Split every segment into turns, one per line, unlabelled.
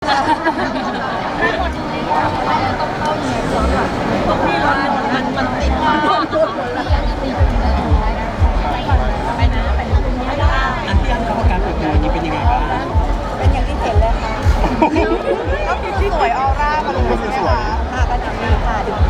ได้หมดเลยค่ะว่าจะต้องเข้าอยู่ในคอร์สแบบพวกพี่ร้อนมันติดความพูดหมดแล้วอยากจะติดไปก่อนไปนะไม่ได้
อันที่อันเขาประกาศเปิดตัวนี้เป็นยังไงบ้าง
เป็นอย่างที่เห็นเลยค่ะก็คือสวยออร่ามาเลยใช่ไหมคะค่ะก็อย่างนี้ค่ะดู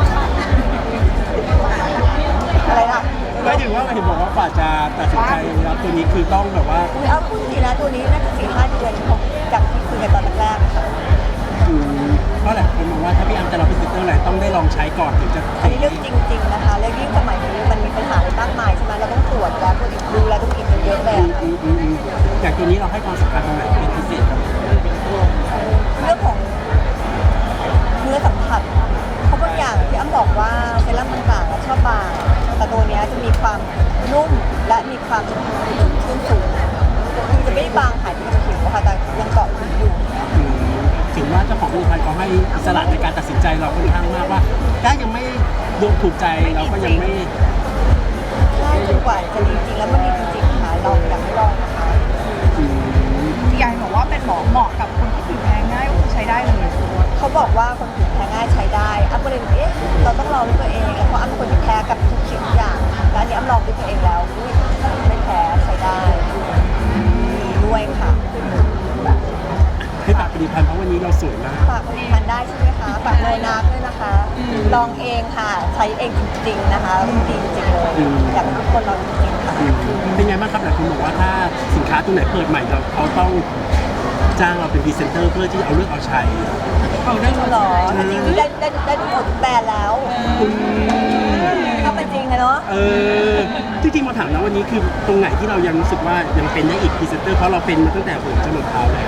อะไรล่ะ
ไม่ถึงว่าเห็นบอกว่ากว่าจะตัดสินใจรับตัวนี้คือต้องแบบว่า
อุ้ยเอาพูดจริงนะตัวนี้น่าจะ4-5 เดือนของจากที่คุยกันตอนแรกๆค่ะ
เพราะหลายคนมองว่าถ้าพี่อัมจะรับพรีเซนเตอร์อะไรต้องได้ลองใช้ก่อนถึงจะ
อันนี้เรื่องจริงๆนะคะแล้วยิ่งสมัยนี้มันมีปัญหาอะไรมากมายใช่ไหมเราต้องตรวจแล้วตัวอีกดูแลต้องอีกเยอะเลยอะค่ะ
อย่างตัวนี้เราให้ความสำคัญตรงไหนเป็นพิเศษครับ
เรื่องของเนื้อสัมผัสเพราะบางอย่างที่อ้ำบอกว่าเซรั่มต่างๆชอบบางแต่ตัวเนี้ยจะมีความนุ่มและมีความชุ่มสูงคือจะไม่ได้บางหายไปกับผิวค่ะแต่ยังเกาะผิวอยู่
ถึงว่าเจ้าของผลิตภัณฑ์เขาให้อิสระในการตัดสินใจเราค่อนข้างมากว่าถ้ายังไม่ดวงถูกใจเราก็ยังไม่
ใช่จนกว่าจะดีจริงแล้วมันดีจริงๆค่ะลองอยากให้ลองนะคะ
พี่ยายบอกว่าเป็นหมอเหมาะกับคนที่ผิวแพ้ง่ายก็คือใช้ได้เลย
เขาบอกว่าคนผิวแพ้ง่ายใช้ได้อ้ำก็เลยเอ๊ะเราต้องลองด้วยตัวเองเพราะอ้ำเป็นคนที่แพ้กับทุกสิ่งทุกอย่างแล้วอันนี้อ้ำลองด้วยตัวเองแล้วอุ๊ยไม่แพ้ใช้ได้ด้วยค่ะ
ให้ฝากผลิตภัณฑ์เพราะวันนี้เราสวยมาก
ฝากผลิตภัณฑ์ได้ใช่ไหมคะฝากโนนาด้วยนะคะ ลองเองค่ะ ใช้เองจริงๆนะคะดีจริงๆเลยอยากให้ทุกคนลองจริงๆค่ะ
เป็นไงบ้างครับหลายคนบอกว่าถ้าสินค้าตัวไหนเปิดใหม่เราเขาต้องจ้างเราเป็นพรีเซนเตอร์เพื่อที่จะเอาเลือกเอาใช้
เอาได้หรอจริงๆได้ทุกคนทุกแบรนด์แล้วถ้าเป็นจริงนะเนาะ
จริงๆมาถามนะวันนี้คือตรงไหนที่เรายังรู้สึกว่ายังเป็นได้อีกพรีเซนเตอร์เพราะเราเป็นมาตั้งแต่หัวจนเท้าแล้ว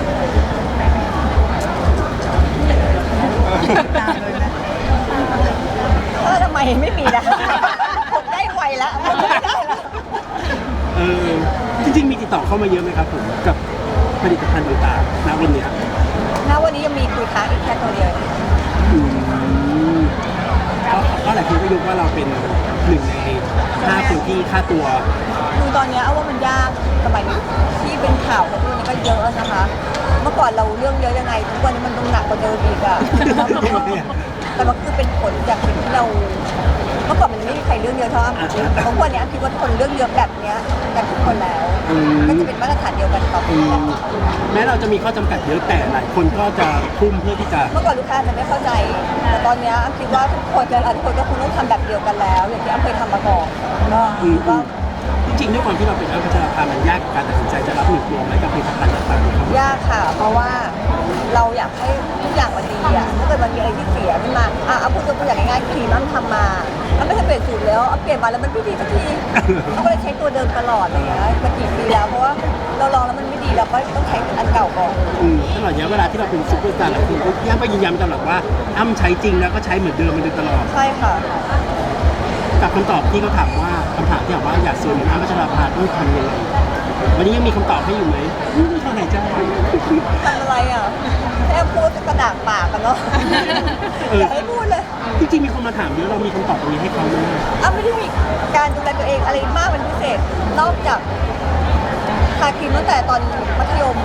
ทำไมไม่มีนะผมได้ไวแล้วผมไม่ได้แล้ว
จริงๆมีติดต่อเข้ามาเยอะไหมครับผมกับผลิตภัณฑ์ต่างๆณวันเนี้ย
ณวันนี้ยังมีคุยค้างอีกแค่ตัวเดียว
ก็หลายคนก็ยกว่าเราเป็นหนึ่งใน5 คนที่ค่าตัว
คือตอนนี้เอาว่ามันยากสมัยนี้ที่เป็นข่าวของพวกนี้ก็เยอะนะคะ เมื่อก่อนเราเรื่องเยอะยังไงทุกวันนี้มันต้องหนักกว่าเดิมอีกอะแต่มันคือเป็นผลจากสิ่งที่เราเมื่อก่อนมันไม่มีใครเรื่องเยอะเท่าอ้ำทุกวันนี้คิดว่าทุกคนเรื่องเยอะแบบเนี้ยกันทุกคนแล้วก็จะเป็นมาตรฐานเดียวกันต่อไปแล้ว
แม้เราจะมีข้อจำกัดเยอะแต่หลายคนก็จะทุ่มเพื่อที่จะ
เมื่อก่อนลูกค้าจะไม่เข้าใจ แต่ตอนนี้อ้ำคิดว่าทุกคนหลายคนก็คงต้องทำแบบเดียวกันแล้ว อย่างที่อ้ำเคยทำมาก่อนก็คิดว่า
จริงๆด้วยความที่เราเป็นอัพพัชราภามันยากกับการตัดสินใจจะรับหนึ่งตัวไหมกับผลิตภัณฑ์ต่างๆครับ
ยากค่ะ เพราะว่าเราอยากให้ทุกอย่างมันดีอ่ะถ้าเกิดมันมีอะไรที่เสียขึ้นมาเอาพูดตัวอย่างง่ายๆครีมอ้ำทำมาอ้ำไม่เคยเปลี่ยนสูตรแล้วอ้ำเปลี่ยนมาแล้วมันไม่ดีสักทีอ้ำก็เลยใช้ตัวเดิมตลอดอะไรอย่างเงี้ยมากี่ปีแล้วเพราะว่าเราลองแล้วมันไม่ดีเราก็ต้องใช้อันเก่าก่อน
ตลอดระยะเวลาที่เราเป็นซุปเปอร์สตาร์หลายคนก็ย่ำไปยืนยันตลอดว่าอ้ำใช้จริงแล้วก็ใช้เหมือนเดิมมาโดยตลอด
ใช่ค่ะ
กับคำตอบที่เขาถามว่าคำถามที่ถามว่าอยากสวยเหมือนอ้ำพัชราภาต้องทำยังไงวันนี้ยังมีคำตอบให้อยู่ไหมเท่าไหร่จ้า
ทำอะไรอ่ะแค่พูดกระดากปากกันเนาะอย่าให้พูดเลย
จริงๆมีคนมาถามเยอะเรามีคำตอบตรงนี้ให้เขาไหม
อ้ำไม่ได้มีการดูแลตัวเองอะไรมากเป็นพิเศษนอกจากทาครีมตั้งแต่ตอนมัธยม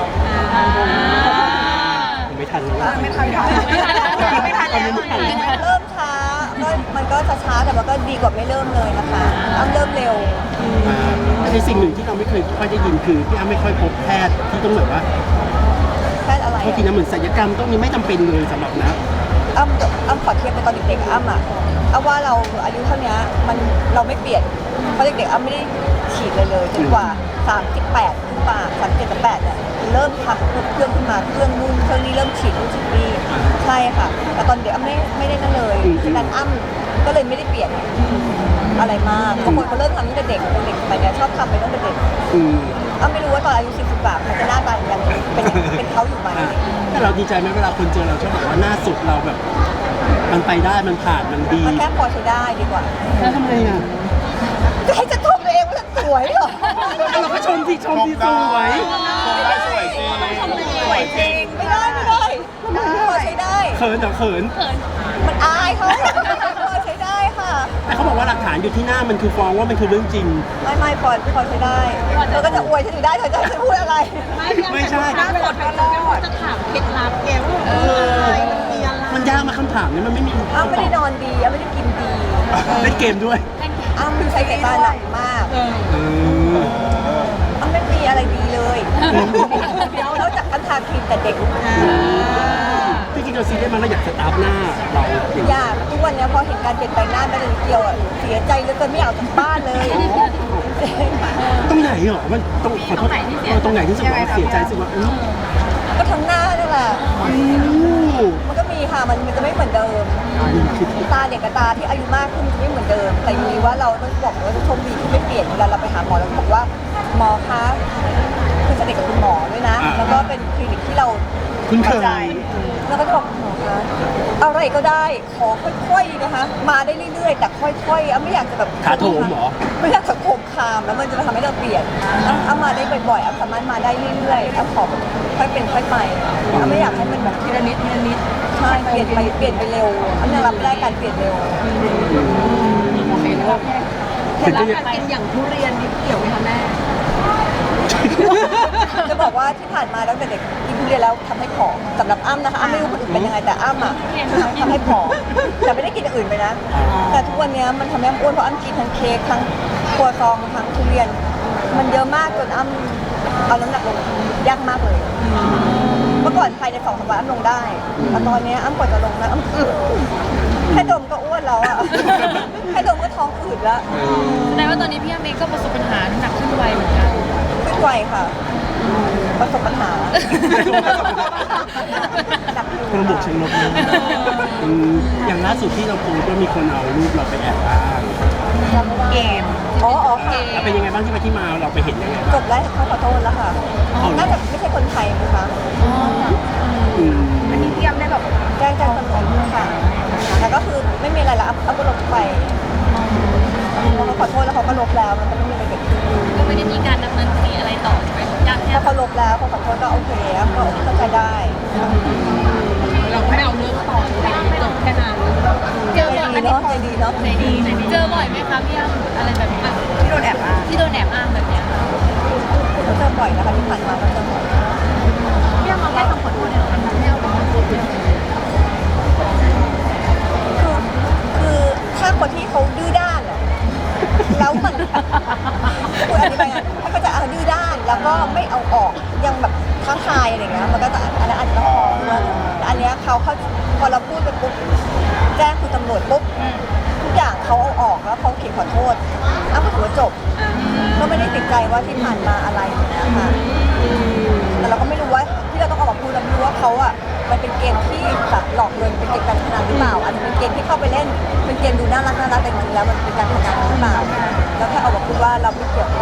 ไม่ทันแล้ว
ไม่ทันแล้วไม่ทันแล้ว
เริ่มช้าก็มันก็ช้าๆแต่มันก็ดีกว่าไม่เริ่มเลยนะคะอ้ำเริ่มเร็ว
ในสิ่งหนึ่งที่เราไม่เคยค่อยได้ยินคือพี่อ้ำไม่ค่อยพบแพทย์ที่ต้องแบบว่า
แพทย์อะไร
บางทีนะเหมือนศัลยกรรมต้องนี้ไม่จำเป็นเลยสำหรับนะ
อ้ำขอเทียบไปตอนเด็กๆอ้ำอ่ะอ้ำว่าเราอายุเท่านี้มันเราไม่เปลี่ยนเพราะเด็กๆอ้ำไม่ได้ฉีดเลยจนกว่า38ขึ้นมา37-38เนี่ยเริ่มทำเครื่องขึ้นมาเครื่องนู่นเครื่องนี้เริ่มฉีดนู่นฉีดนี่ใช่ค่ะแต่ตอนเด็กอ้ำไม่ได้นั่นเลยฉะนั้นอ้ำก็เลยไม่ได้เปลี่ยนอะไรมากบางคนเขาเริ่มทำตั้งแต่เด็กเป็นเด็กไปเนี่ยชอบทำไปตั้งแต่เด็กอ้ำไม่รู้ว่าตอนอายุ40 กว่าเขาจะหน้าตายังเป็นเขาอยู่ไหม
แต่เราดีใจไหมเวลาคนเจอเราชอบบอกว่าหน้าสดเราแบบ มันไปได้มันผ่านมันดี
มันแค่พอใช้ได้ดีกว่า
แล้วทำไมอ่ะ
จะให้ฉันชมตัวเองว่าฉันสวยเหรอ
เราก็ชมที่สวย
ได้สวยจริง
สวยจริงไม่ได้พอใช้ได้
เขินแต่เขิน
มันอายเขาพอใช้ได้ค่ะ
แต่เขาบอกว่าหลักฐานอยู่ที่หน้ามันคือฟ้องว่ามันคือเรื่องจริง
ไม่พอใช้ได้เธอก็จะอวยฉันอยู่ได้เธอจะให้ฉันพูดอะไร
ไม่ใช่
หน้าสดก็รอดจะถามเคล็ดลับแกว่าอะไรมันมีอะไร
มันยากมาคำถามเนี่ยมันไม่มี
อ้ำไม่ได้นอนดีอ้ำไม่ได้กินดี
เล่นเกมด้วย
อ้ำใช้สายตาหนักมาก อ้ำไม่มีอะไรดีเลยนอกจากการทาครีมแต่เด็ก
พี่กินเราซีเรียสมันเราอยากสตาร์ฟหน้าเรา
อยากทุกวันเนี้ยพอเห็นการเปลี่ยนแปลงหน้าแม่เลยนิดเดียวอ่ะเสียใจเหลือเกินไม่อยากออกจากบ้านเลย
ตรงไหนเหรอมันตรงขอโทษตรงไหนที่สุดว่าเสียใจสุดว่า
ก็ทั้งหน้านั่นแหละมันก็มีค่ะมันจะไม่เหมือนเดิม ตาเด็กกับตาที่อายุมากขึ้นจะไม่เหมือนเดิม แต่อยู่ดีว่าเราต้องบอกว่าโชคดีที่ไม่เปลี่ยนเวลาเราไปหาหมอแล้วบอกว่าหมอคะคือสนิทกับคุณหมอด้วยนะ แล้วก็เป็นคลินิกที่เรา
คุณเคย
แล้วก็จะบอกหมอคะอะไรก็ได้ขอค่อยๆนะคะ มาได้เรื่อยๆ แต่ค่อยๆไม่อยากจะแบบ
ขาโถมหรอ
ไม่อยากจะโคมคามแล้วมันจะทำให้เราเปลี่ยนเอามาได้บ่อยๆสามารถมาได้เรื่อยๆขอค่อยเป็นค่อยไปไม่อยากให้มันแบบทีละนิดใช่เปลี่ยนไปเร็วยังรับไม่ได้การเปลี่ยนเร็ว
เคล็ดลับการกินอย่างทุเรียนนี่เกี่ยวไหมคะแม่
จะบอกว่าที่ผ่านมาตั้งแต่เด็กกินทุเรียนแล้วทำให้ผอมสำหรับอ้ำนะคะอ้ำไม่รู้คนอื่นเป็นยังไงแต่อ้ำอ่ะทำให้ผอมแต่ไม่ได้กินอย่างอื่นไปนะ แต่ทุกวันนี้มันทำให้อ้ำอ้วนเพราะอ้ำกินทั้งเค้กทั้งครัวซองทั้งทุเรียน มันเยอะมากจนอ้ำเอาน้ำหนักลงยากมากเลย เมื่อก่อนภายใน2 สัปดาห์อ้ำลงได้แต่ตอนนี้อ้ำกว่าจะลงนะอ้ำแค่ดมก็อ้วนแล้วอ่ะแค่ดมก็ท้องอืดแล้ว
แสดงว่าตอนนี้พี่อ้ำเองก็ประสบปัญหาหนักขึ้นไวเหมือนกัน
ขึ้นไวค่ะ ประสบปัญหา
คนบวกเชิงลบนะอย่างล่าสุดที่เราโพสต์ก็มีคนเอารูปเราไปแอบอ้าง
เกม
อ๋อค่ะ
แล้วเป็นยังไงบ้างที่มาที่มาเราไปเห็นยังไง
จบแล้วเขาขอโทษแล้วค่ะ น่าจะไม่ใช่คนไทยนะคะ
อันนี้พี่อ้ำได้แบบ
แจ้งตำรวจค่ะแล้วก็คือไม่มีอะไรแล้วเอาก็ลบไปพอเขาขอโทษแล้วเขาก็ลบแล้วมันก็ไม่มีอะไรเกิดขึ้น
ก็ไม่ได้มีการดำเนินคดีอะไรต่อใช่ไหมยากแค่
ถ้าเขาลบแล้วเขาขอโทษก็โอเคก็เข้าใจได้
เราไม่เอาเรื่องต่อจบแค่นั้นเจอบ่อย
ใจดีเนาะใจดีเนาะ
ใจดีเจอบ่อยไหมคะพี่อ้ำอะไรแบบนี้
ที่โดนแอบอ้าง
ที่โดนแอบอ้างแบบเนี้ยค่ะ
ก็เจอบ่อยนะคะที่ผ่านมาก็เจอบ่อย
พี่อ้ำมาแค่คำขอโทษเนี่ยไม่เอาของพูดเลย
คือถ้าคนที่เขาดื้อด้านอะแล้วมันพูดอันนี้ไปไงถ้าเขาจะดื้อด้านแล้วก็ไม่เอาออกยังแบบท้าทายอะไรเงี้ยมันก็จะอันนั้นอาจจะต้องฟ้องด้วยแต่อันเนี้ยเขาพอเราพูดไปปุ๊บแจ้งคุณตำรวจปุ๊บทุกอย่างเขาเอาออกแล้วเขาเขียนขอโทษอ้าวก็ถือว่าจบก็ไม่ได้ติดใจว่าที่ผ่านมาอะไรอย่างเงี้ยค่ะแต่เราก็ไม่รู้ว่าที่เราต้องออกมาพูดเราไม่รู้ว่าเขาอ่ะมันเป็นเกมที่แบบหลอกเงินเป็นเกมการพนันหรือเปล่าอันนี้เป็นเกมที่เข้าไปเล่นเป็นเกมดูน่ารักแต่จริงๆแล้วมันเป็นการพนันหรือเปล่าแล้วแค่เอามาพูดว่าเราไม่เกี่ยว